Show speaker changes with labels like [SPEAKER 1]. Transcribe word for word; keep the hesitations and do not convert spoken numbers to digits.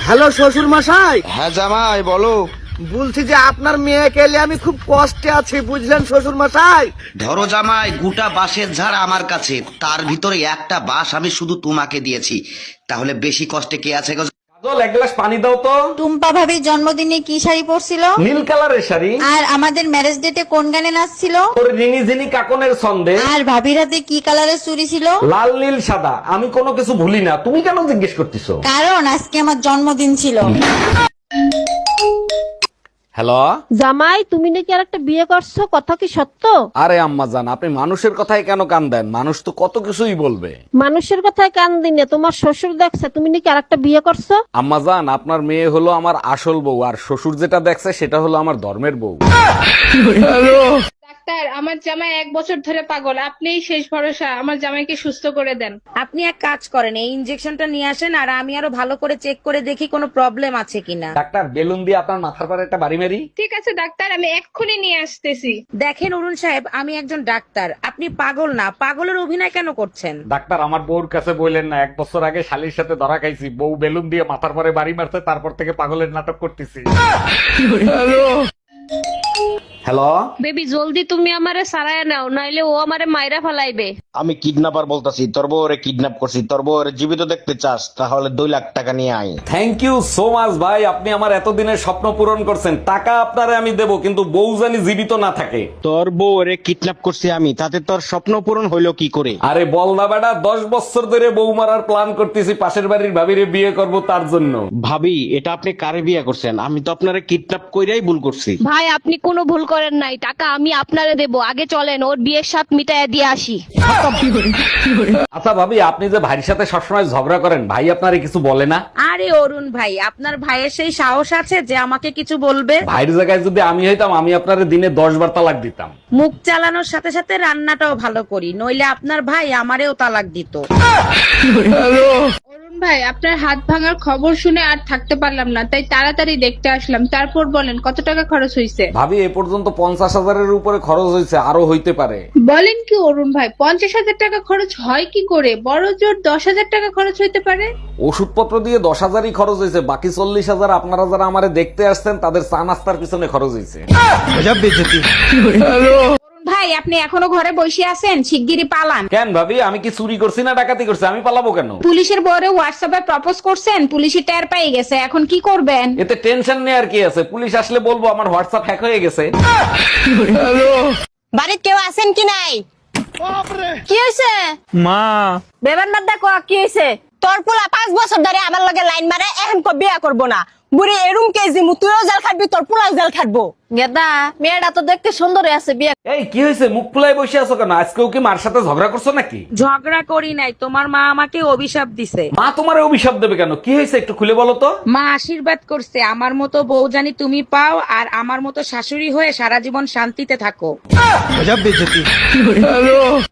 [SPEAKER 1] Hello শ্বশুর মশাই।
[SPEAKER 2] হ্যাঁ জামাই বলো।
[SPEAKER 1] বলছি যে আপনার মেয়েকে এলে আমি খুব কষ্টে আছি, বুঝলেন শ্বশুর মশাই।
[SPEAKER 2] ধরো জামাই, গোটা বাঁশের ঝাড় আমার কাছে, তার ভিতরে একটা বাঁশ আমি শুধু তোমাকে দিয়েছি, তাহলে বেশি কষ্টে কে আছে গো?
[SPEAKER 3] কাজল, এক গ্লাস পানি দাও তো।
[SPEAKER 4] টুম্পা ভাবির জন্মদিনে কি শাড়ি পরছিল?
[SPEAKER 3] নীল কালারের শাড়ি।
[SPEAKER 4] আর আমাদের ম্যারেজ ডেটে কোন গানে নাচছিল?
[SPEAKER 3] তোর রিনি ঝিনি কাকনের ছন্দে।
[SPEAKER 4] আর ভাবির হাতে কি কালারের চুড়ি ছিল?
[SPEAKER 3] লাল নীল সাদা, আমি কোনো কিছু ভুলি না, তুমি কেন জিজ্ঞেস করতেছো?
[SPEAKER 4] কারণ আজকে আমার জন্মদিন ছিল।
[SPEAKER 3] হ্যালো
[SPEAKER 5] জামাই, তুমি নাকি আর একটা বিয়ে করছো, কথা কি সত্য?
[SPEAKER 3] আরে আম্মা জান, আপনি মানুষের কথায় কেন কান দেন? মানুষ তো কত কিছুই বলবে।
[SPEAKER 5] মানুষের কথায় কান দিনে তোমার শ্বশুর দেখছে তুমি নাকি আর একটা বিয়ে করছো।
[SPEAKER 3] আম্মা জান, আপনার মেয়ে হলো আমার আসল বউ, আর শ্বশুর যেটা দেখছে সেটা হলো আমার ধর্মের বউ।
[SPEAKER 6] ডাক্তার, আমার জামাই এক বছর ধরে পাগল, আপনিই শেষ ভরসা, আমার জামাইকে সুস্থ করে দেন।
[SPEAKER 7] আপনি এক কাজ করেন, এই ইনজেকশনটা নিয়ে আসেন আর আমি আরো ভালো করে চেক করে দেখি কোনো প্রবলেম আছে কিনা।
[SPEAKER 3] ডাক্তার, বেলুন দিয়ে আপনার মাথার পরে একটা বাড়ি মারি।
[SPEAKER 6] ঠিক আছে ডাক্তার, আমি এক্ষুনি নিয়ে আসতেছি।
[SPEAKER 7] দেখেন অরুণ সাহেব, আমি একজন ডাক্তার, আপনি পাগল না, পাগলের অভিনয় কেন করছেন?
[SPEAKER 3] ডাক্তার, আমার বউর কাছে বললেন না, এক বছর আগে শালির সাথে ধরা খাইছি, বউ বেলুন দিয়ে মাথার পরে বাড়ি মারছে, তারপর থেকে পাগলের নাটক করতেছি। হ্যালো
[SPEAKER 6] বেবি, জলদি তুমি আমারে সারায় নাও, নাইলে ও আমারে মাইরা ফালাইবে।
[SPEAKER 2] আমি কিডন্যাপার বলতাছি, তোর বউরে কিডন্যাপ করছি, তোর বউরে জীবিত দেখতে চাস তাহলে দুই লাখ টাকা নিয়ে আয়।
[SPEAKER 3] থ্যাংক ইউ সো মাচ ভাই, আপনি আমার এতদিনের স্বপ্ন পূরণ করছেন। টাকা আপনারে আমি দেব, কিন্তু বউ জানি জীবিত না থাকে।
[SPEAKER 2] তোর বউরে কিডন্যাপ করছি আমি, তাতে তোর স্বপ্ন পূরণ হইলো কি করে?
[SPEAKER 3] আরে বলদা বেটা, দশ বছর ধরে বউ মারার প্ল্যান করতেছি, পাশের বাড়ির ভাবিরে বিয়ে করব তার জন্য।
[SPEAKER 2] ভাবি, এটা আপনি কারে বিয়ে করছেন? আমি তো আপনারে কিডন্যাপ কইরাই ভুল করছি।
[SPEAKER 6] ভাই, আপনি কোনো ভুল করেন নাই, টাকা আমি আপনারে দেবো, আগে চলেন ওর বিয়ের সাথ মিটাইয়া দিয়ে আসি।
[SPEAKER 3] আচ্ছা ভাবি, আপনি যে ভাইয়ের সাথে সবসময় ঝগড়া করেন, ভাই আপনারে কিছু বলে না?
[SPEAKER 7] আরে অরুণ ভাই, আপনার ভাইয়ের সেই সাহস আছে যে আমাকে কিছু বলবে?
[SPEAKER 3] ভাইয়ের জায়গায় যদি আমি হইতাম, আমি আপনারে দিনে দশ বার তালাক দিতাম।
[SPEAKER 7] মুখ চালানোর সাথে সাথে রান্নাটাও ভালো করি, নইলে আপনার ভাই আমারেও তালাক দিত।
[SPEAKER 6] অরুণ ভাই, আপনার হাত ভাঙার খবর শুনে আর থাকতে পারলাম না, তাই তাড়াতাড়ি দেখতে আসলাম। তারপর বলেন কত টাকা খরচ হয়েছে?
[SPEAKER 3] ভাবি, এ পর্যন্ত পঞ্চাশ হাজারের উপরে খরচ হয়েছে, আরো হইতে পারে।
[SPEAKER 6] বলেন কি অরুণ ভাই, পঞ্চাশ হাজার টাকা খরচ হয় কি করে? বড় জোর দশ হাজার টাকা খরচ হইতে পারে।
[SPEAKER 3] ওষুধপত্র দিয়ে দশ হাজারই খরচ হয়েছে, বাকি চল্লিশ হাজার আপনারা যারা আমারে দেখতে আসছেন তাদের চা নাস্তার পিছনে খরচ হয়েছে।
[SPEAKER 7] ভাই, আপনি এখনো ঘরে বসে আছেন, শিগগিরই পালান।
[SPEAKER 3] কেন ভাবি, আমি কি চুরি করছি না ডাকাতি করছি? আমি পালাবো কেন?
[SPEAKER 7] পুলিশের বরে হোয়াটসঅ্যাপে প্রপোজ করছেন, পুলিশই টের পেয়ে গেছে, এখন কি করবেন?
[SPEAKER 3] এতে টেনশন নেই কি আছে, পুলিশ আসলে বলবো আমার হোয়াটসঅ্যাপ হ্যাক হয়ে গেছে।
[SPEAKER 4] বাড়িতে কেউ আছেন কি নাই? কি হয়েছে?
[SPEAKER 5] মা,
[SPEAKER 4] বেবার মাদ্দা কো কি হয়েছে? তোর পোলা পাঁচ বছর ধরে আমার লগে লাইন মারে, এখন কো বিয়া করবো না। বুড়ি এরুম কেজি মু, তুইও জেল খাটবি, তোর পোলাও জেল খাটবো। গেদা, মেয়েটা তো দেখতে সুন্দর আছে, বিয়ে।
[SPEAKER 3] এই কি হয়েছে, মুখ ফুলাই বসে আছো কেন? আজকেও কি মার সাথে ঝগড়া করছো নাকি?
[SPEAKER 7] ঝগড়া করি নাই, তোমার মা আমাকে অভিশাপ দিছে।
[SPEAKER 3] মা তোমার অভিশাপ দেবে কেন? কি হয়েছে একটু খুলে বলো তো।
[SPEAKER 7] মা আশীর্বাদ করছে আমার মতো বউ জানি তুমি পাও, আর আমার মতো শাশুড়ি হয়ে সারা জীবন শান্তিতে থাকো।